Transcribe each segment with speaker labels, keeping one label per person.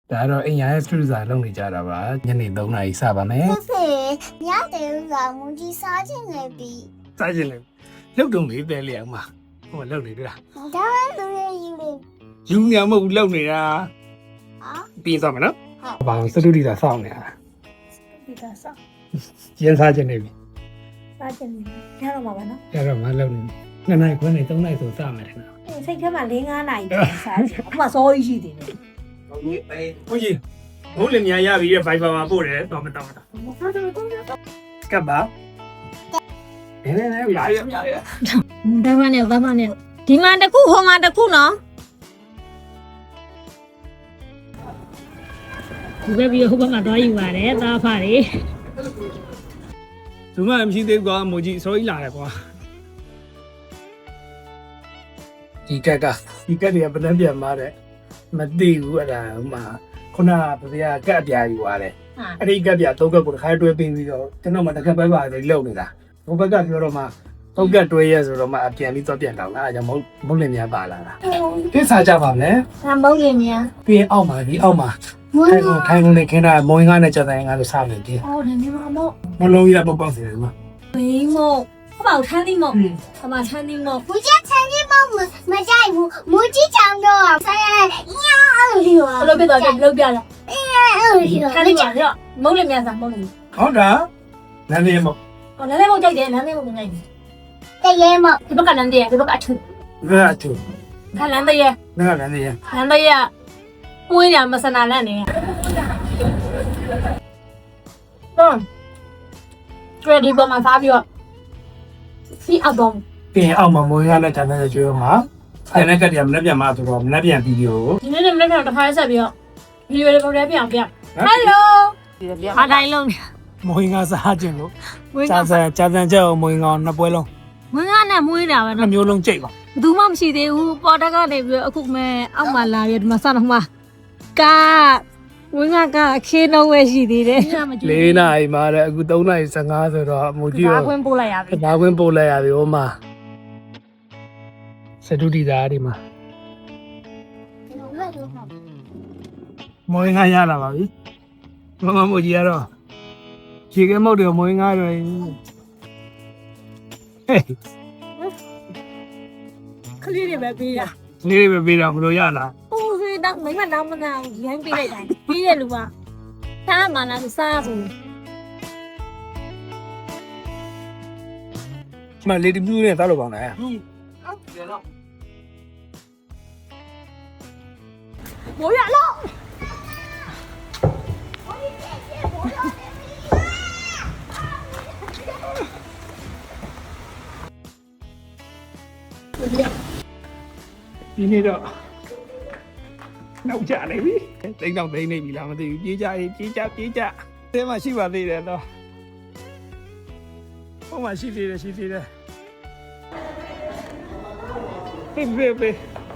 Speaker 1: ဒါတော့အိမ်ရရဲ့စတူဒီယိုလုပ်နေကြတာပါညနေ3 နာရီစပါမယ်
Speaker 2: ဖေညတဲ့ဥကမူကြီးစားခြင်းနေပြီ
Speaker 1: စားချင်လေလှုပ်တုံလေးတဲလေးအောင်မဟိုလှုပ်နေတွေ့လား
Speaker 2: ဒါပဲလူရဲ့ယူလေ
Speaker 1: ယူနေမဟုတ်လှုပ်နေတာ
Speaker 2: ဟာ
Speaker 1: ပြီးသွားမယ်နော်ဘာလို့စတူဒီယိုစောင့်နေတာ
Speaker 3: ဒီကစား
Speaker 1: ရင်းစားချင်နေပြီ
Speaker 3: စားချင်တယ်ရတော့မှာပါနော်
Speaker 1: အဲ့တော့မလှုပ်နေ2 နာရီခွဲနေ3 နာရီဆိုစမယ်ထင်တာ
Speaker 3: စိတ်ထဲမှာ4-5နာရီစားချင်အခုမှစောကြီးရှိသေးတယ်
Speaker 1: ဟုတ်ကြီးဘိုးလင်များရပြီရဲ့ Viber မှာပို့တယ်တော့မတော့ကပ်ပါနေရရ
Speaker 3: ဒါမှနဲ့ဘာမှနဲ့ဒီမှာတစ်ခုဟိုမှာတစ်ခုနော်ဒီဘက်ပြီးဟိုဘက်မှာသွားယူပါတယ်သားဖားတွေ
Speaker 1: သူမှမရှိသေးဘူးကွာမိုကြီးစောကြီးလာတယ်ကွာဒီကက်ကတွေကဘယ်နှပြန်มาတဲ့မသိဘူးအဲ့ဒါဟိုမှာခုနကဗျာကက်အပြာယူသွားတယ်အဲ့ဒီကက်ပြာ3ကက်ကိုတစ်ခါတွဲပေးပြီးတော့ကျွန်တော်မှတစ်ခါပဲပါတယ်လုံနေတာဟိုဘက်ကပြောတော့မှ3ကက်တွဲရဲဆိုတော့မှအပြန်ပြီးတော့ပြန်တောင်းလာအဲ့ကြောင့်မုတ်လင်များပါလာတာကိစ္စကြပါမယ်
Speaker 3: ဆံပုံးကြီးများ
Speaker 1: ပြီးအောက်မှာဒီအောက်မှာ
Speaker 2: မူ
Speaker 1: ထိုင်ကုန်နေခင်းတာမုံငါးနဲ့ကြတဲ့ငါတို့စားမယ်ဒီ
Speaker 3: အော်ဒီမှာမို့
Speaker 1: မလုံးကြီးတော့ပေါက်စီတယ်ဒီမှာ
Speaker 3: ဘင်းမို့ဟောက်ထန်းသီးမို့အမထန်းသီးမို့
Speaker 2: မူကြီးဆန်ကြီးမမကြိုက်ဘူးမူကြီးချောင်းတော့ဆိုင်ရညာအဲ့လို
Speaker 3: ဘလို့ပြတော့ပြလို့ပြတယ်
Speaker 2: အဲ့လို
Speaker 3: ခါလေးပါရောမုံးလေးများစားမုံးလေး
Speaker 1: ဟုတ်တာနန်းလေးမ
Speaker 3: ဟောနည်းနည်းမုံကြိုက်တယ်နည်းနည်းမုံကြိုက်တယ်
Speaker 2: တရေမ
Speaker 3: ဒီဘက်ကလမ်းတည်းဒီဘက်ကအထူ
Speaker 1: ဘယ်အတူ
Speaker 3: ခါလမ်းတည်း
Speaker 1: နန်းနန်းလေး
Speaker 3: လမ်းတည်းမွေးရမစနာလန့်နေကျွဲဒီပေါ်မှာစားပြီးတော့စီအောက်တော့
Speaker 1: ပြင်အောက်မှာမုံငါးနဲ့ကြတဲ့ကျွေးမှာအဲ့နဲ့ကတည်းကမနေ့ပြန်မှာဆိုတော့မနေ့ပြန်ဗီဒီယို
Speaker 3: ဒီနေ့မနေ့ကတစ်ခါဆက်ပြီးတော့ဗီဒီယိုလေးပုံထဲပြန်ပြဟယ်လိုဟာတိုင်းလုံး
Speaker 1: မုံငါးစားခြင်းလို့ကြာစံကြောက်မုံငါးနှစ်ပွဲလုံး
Speaker 3: မွေးငါနဲ့မွေးတာပဲ
Speaker 1: နှစ်မျိုးလုံးကြိတ်ပါ
Speaker 3: ဘယ်သူမှမရှိသေးဘူးပေါ်တက်ကနေပြီးအခုမဲအောက်မှာလာပြီးဒီမှာစတော့မှာကာဝင်းကအခင်းတော့ပဲရှိသေးတယ်
Speaker 1: 4 နာရီမှာတဲ့အခု3 နာရီ15ဆိုတော့မူကြီး
Speaker 3: ဘာ
Speaker 1: ရော
Speaker 3: ခွင့်ပို့လိုက်ရပြီ
Speaker 1: ဘာခွင့်ပို့လိုက်ရပြီဟိုမှာစတူဒီသားဒီမှာမွေးငါရလာပါပြီမမကြီးရတော့ခြေကမုတ်တယ်မွေးငါတော့ဟေး
Speaker 3: ခလေးတွေပဲပေးတာ
Speaker 1: လေးပဲပေးတာမလို့ရလား
Speaker 3: ဟိုဖေးတော့မိမတော့မနာဘူးရိုင်းပေးလိုက်တာပြီးတဲ့လူကသားမနာစားဘူး
Speaker 1: ဒီမှာလေဒီမြူးနဲ့တောက်လို့ပေါင်းတယ်
Speaker 3: မိုးရလို့
Speaker 1: ဒီနေ့တော့နောက်ကျနေပြီတိတ်တော့သိနေပြီလားမသိဘူးပြေးကြရေးပြေးကြတဲမှာရှိပါသေးတယ်တော့ဟိုမှာရှိသေးတယ်ဖေ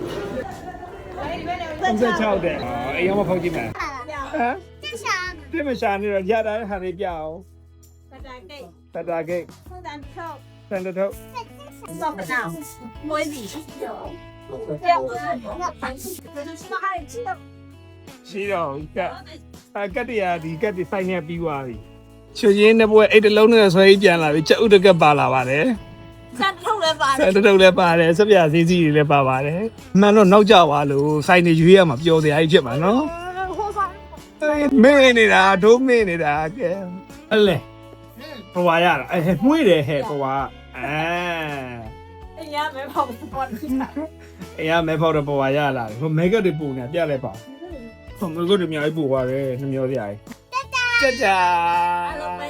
Speaker 1: 36တဲ့အေးရောမဖောက်ကြည့်မယ်ဟမ်
Speaker 2: တရှာ
Speaker 1: ဒီမရှာနေတော့ရတာဟာနေပြအောင်
Speaker 3: တတာကိတ်
Speaker 1: တတာဂိတ်
Speaker 3: ဖုန်းတန်ထုတ်
Speaker 1: စံတထုတ်
Speaker 3: စောက်နာမွေးစီ
Speaker 1: ရှိတော့ကတ်တရားဒီကတ်ဒီဆိုင်နေပြီးသွားပြီချွေချင်းတဲ့ဘွဲအိတ်တလုံးနဲ့ဆွဲပြန်လာပြီချက်ဥတကက်ပါလာပါတယ်
Speaker 3: စံထုတ်လည်းပါ
Speaker 1: စံတထုတ်လည်းပါတယ်စပြစည်းစည်းတွေလည်းပါပါတယ်မှန်တော့နောက်ကျသွားလို့ဆိုင်နေရွေးရမှာပျော်စရာကြီးဖြစ်မှာနော်
Speaker 3: ဟိုပါ
Speaker 1: မင်းနေတာဒုမင်းနေတာကဲအဲ့လေဘဝရတာအဲမှုတယ်ဟဲ့ဘဝအဲ
Speaker 3: အရာမဲပေါ့ပေါ့
Speaker 1: အေးရမဲဖောက်တော့ဘဝရလာတယ်ဟိုမဲကတ်တွေပူနေပြလိုက်ပါဟိုမဲကတ်တွေအများကြီးပူသွားတယ်နှမျောစရာကြီးတက်တာ